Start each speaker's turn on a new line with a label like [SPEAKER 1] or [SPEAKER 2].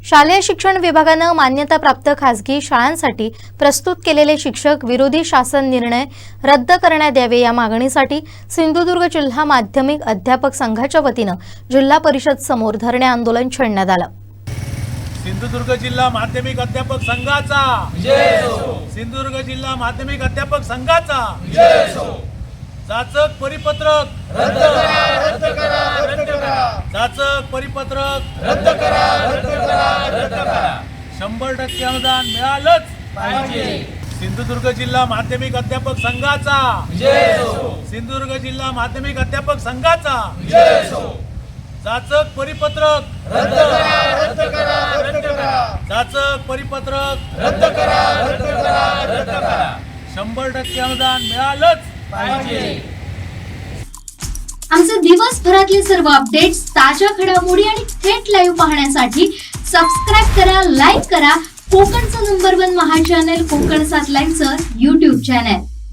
[SPEAKER 1] शालेय शिक्षण विभागाने मान्यताप्राप्त खासगी शाळांसाठी प्रस्तुत केलेले शिक्षक विरोधी शासन निर्णय रद्द करण्यात यावे या मागणीसाठी सिंधुदुर्ग जिल्हा माध्यमिक अध्यापक संघाच्या वतीने जिल्हा परिषद समोर धरणे आंदोलन छेडण्यात आलं।
[SPEAKER 2] सिंधुदुर्ग जिल्हा माध्यमिक अध्यापक संघाचा जय हो। सिंधुदुर्ग जिल्हा माध्यमिक अध्यापक संघाचा जय हो। जाचक परिपत्रक रद्द करा, रद्द करा, रद्द करा। जाचक परिपत्रक रद्द करा, रद्द करा, रद्द करा। 100% अनुदान मिळालंच पाहिजे। सिंधुदुर्ग जिल्हा माध्यमिक अध्यापक संघाचा जय हो। सिंधुदुर्ग जिल्हा माध्यमिक अध्यापक संघाचा जय हो। जाचक परिपत्रक रद्द करा, रद्द करा, रद्द करा। जाचक परिपत्रक रद्द करा, रद्द करा, रद्द करा। 100% अनुदान मिळालंच पाहिजे।
[SPEAKER 3] आमचे दिवसभरातले सर्व अपडेट्स, ताज्या घडामोडी आणि थेट लाईव्ह पाहण्यासाठी सबस्क्राइब करा, लाईक करा कोकणचं नंबर 1 महा चॅनल कोकण 7 लाईव्हचं YouTube चॅनल।